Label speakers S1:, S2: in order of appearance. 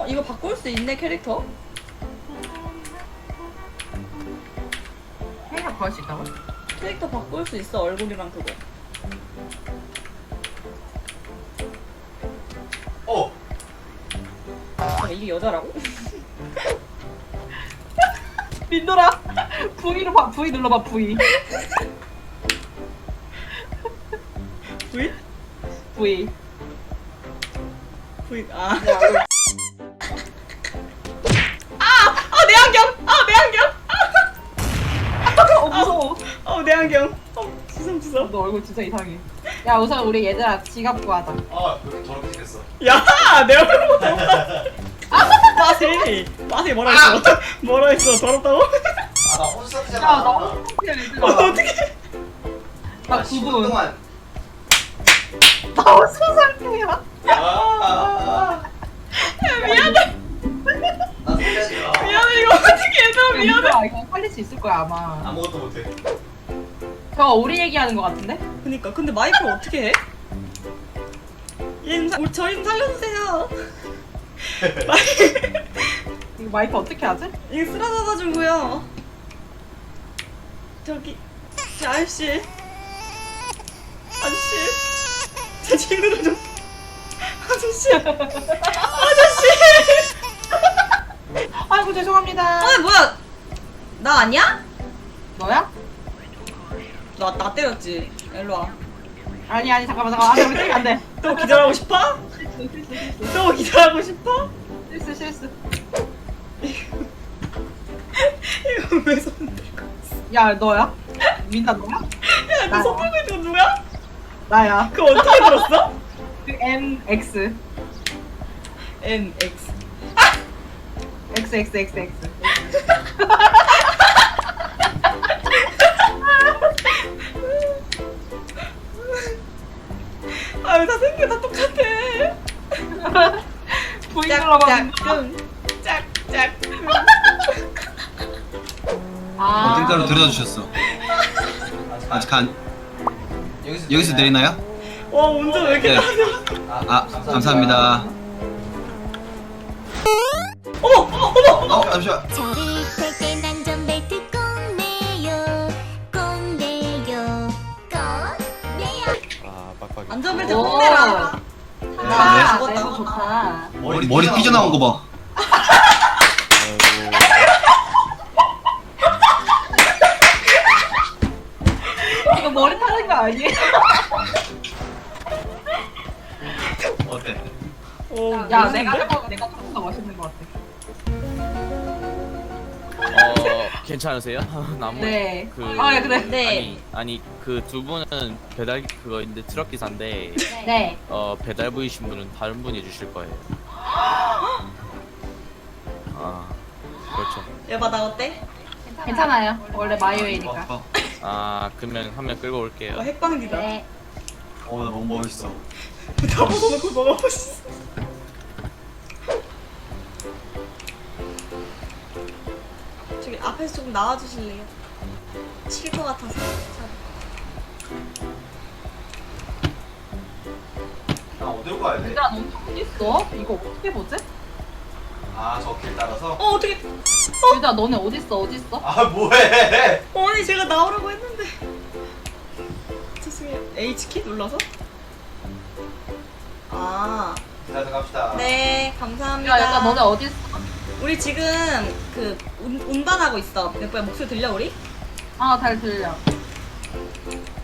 S1: 이거 바꿀 수 있네 캐릭터?
S2: 캐릭터 구할 수 있다고?
S1: 캐릭터 바꿀 수 있어 얼굴이랑 그거. 잠깐 이게 여자라고?
S2: 민돌아 V로 봐. V 눌러봐 V.
S1: V?
S2: V.
S1: V 아. 내 안경! 내 안경!
S2: 무서워.
S1: 내 안경. 주섬주섬.
S2: 너 얼굴 진짜 이상해. 야 우선 우리 얘들아 지갑 구하자.
S3: 왜 이렇게 더럽게 생겼어?
S1: 야! 내 얼굴 보자. 마세 뭐라 했어? 뭐라 했어? 더럽다고?
S3: 나 혼수상태잖아.
S2: 야나 혼자 얘들아.
S1: 어떻게?
S2: 나
S3: 10분
S2: 9분.
S3: 동안.
S2: 나 혼자 상태야.
S1: 미안해.
S3: 나 살려줘.
S1: 미안해 이거 어떻게 얘들아 미안해.
S2: 민돌아 이거 살릴 수 있을 거야 아마.
S3: 아무것도 못해.
S2: 저거 우리 얘기하는 거 같은데?
S1: 그니까 근데 마이크를 어떻게 해? 저희 살려주세요.
S2: 이거 마이크 어떻게 하지?
S1: 이게 쓰러져가지고요. 저기 아저씨 제 친구들 좀 아저씨
S2: 아이고 죄송합니다.
S1: 뭐야 나 아니야?
S2: 너야?
S1: 나 때렸지. 일로와.
S2: 아니 잠깐만 안돼 우리 때리면 안돼.
S1: 또 기절하고 싶어? 또 기절하고 싶어?
S2: 실수.
S1: 이거 왜 손 들고
S2: 야 너야? 민다 너야?
S1: 야너 손 들고 있는 거 누구야?
S2: 나야.
S1: 그거 어떻게 들었어?
S2: 그 MX
S1: NX
S2: XXXX.
S1: 다 생겨 다 똑같아.
S2: V 눌러봐.
S1: 짝짝꿍.
S2: 아.
S4: 어딘가로 데려다 주셨어. 아직 여기서 내리나요?
S1: 와 운전 왜 이렇게
S4: 네.
S1: 나세요?
S4: 감사합니다. 잠시만.
S5: 저를 탈 땐 안전벨트 꼭 매요 꼭 매요 꼭 매요.
S1: 안전벨트
S2: 오.
S1: 꼭 매라.
S2: 아,
S1: 죽었다.
S2: 내부 좋다.
S4: 머리 삐져나온 거 봐.
S2: 이거 머리 타는 거 아니에요?
S4: 어때?
S2: 야, 내가 조금 더 멋있는 것 같아.
S6: 괜찮으세요? 나무
S2: 네.
S6: 그
S2: 아, 네, 그래.
S1: 네.
S6: 아니 그 두 분은 배달 그거인데 트럭 기사인데
S2: 네.
S6: 배달 부이신 분은 다른 분이 해주실 거예요. 아 그렇죠.
S1: 여봐 나 어때?
S2: 괜찮아요. 원래 마이웨이니까.
S6: 아 그러면 한 명 끌고 올게요.
S1: 핵방기다.
S2: 네.
S4: 나 너무 멋있어.
S1: 다 벗어놓고 먹어보시어. 저기 앞에서 조금 나와주실래요? 칠 것 같아서.
S3: 나 어디로 가야 돼?
S2: 얘들아, 너 어디 있어? 이거 어떻게 보지?
S3: 저 길 따라서?
S1: 어떻게?
S2: 얘들아, 너네 어디 있어?
S3: 뭐해?
S1: 아니 제가 나오라고 했는데. 죄송해요. H키 눌러서?
S3: 기다려 갑시다.
S1: 네 감사합니다.
S2: 야, 얘들아, 너네 어디 있어?
S1: 우리 지금 그 운반하고 있어. 맥부야 목소리 들려 우리?
S2: 아, 잘 들려.